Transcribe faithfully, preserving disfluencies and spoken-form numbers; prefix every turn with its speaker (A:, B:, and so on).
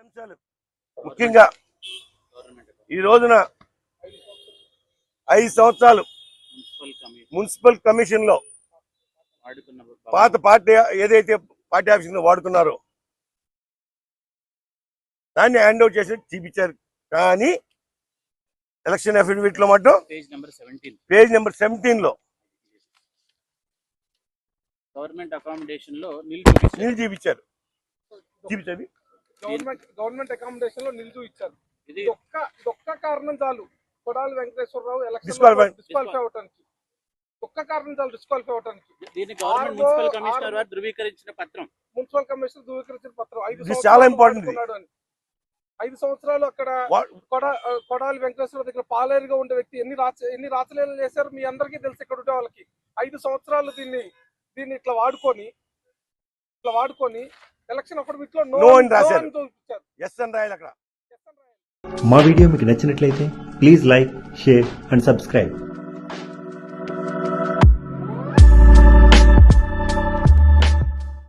A: అంశాలు ముఖ్యంగా ఈ రోజున ఐదు సంవత్సరాలు మున్సిపల్ కమిషన్ లో పాత పార్టీ ఏదైతే పార్టీ ఆఫీస్ వాడుకున్నారో దాన్ని హ్యాండ్ అవుట్ చేసి చూపించారు. కానీ ఎలక్షన్ అఫిడవిట్ లో మాత్రం పేజ్ నెంబర్ సెవెంటీన్ లో
B: గవర్నమెంట్ అకామిడేషన్ లో
A: నీళ్ళు చూపించారు. చూపించారు
C: గవర్నమెంట్ గవర్నమెంట్ అకామిడేషన్ లో నిల్చు ఇచ్చారు. ఇది ఒక్క ఒక్క కారణం చాలు కొడాలి వెంకటేశ్వరరావు ఎలక్షన్ డిస్క్వాలిఫై అవడానికి. ఒక్క కారణం చాలు డిస్క్వాలిఫై అవడానికి.
B: దీన్ని గవర్నమెంట్ మున్సిపల్ కమిషనర్ వారు ధృవీకరించిన పత్రం
C: మున్సిపల్ కమిషనర్ ధృవీకరించిన పత్రం ఐదు
A: చాలా ఇంపార్టెంట్.
C: ఐదు సంవత్సరాలు అక్కడ కొడా కొడాలి వెంకటేశ్వర దగ్గర పాలేరుగా ఉండే వ్యక్తి ఎన్ని రాచ ఎన్ని రాచలీలలు చేశారు మీ అందరికీ తెలుసు. ఇక్కడ ఉండే వాళ్ళకి ఐదు సంవత్సరాలు దీన్ని దీన్ని ఇట్లా వాడుకొని ఇట్లా వాడుకొని ఎలక్షన్ అఫిడవిట్ లో నో అని రాశారు. ఎస్ అని రాయాలి అక్కడ.
D: మా వీడియో మీకు నచ్చినట్లయితే please like, share and subscribe.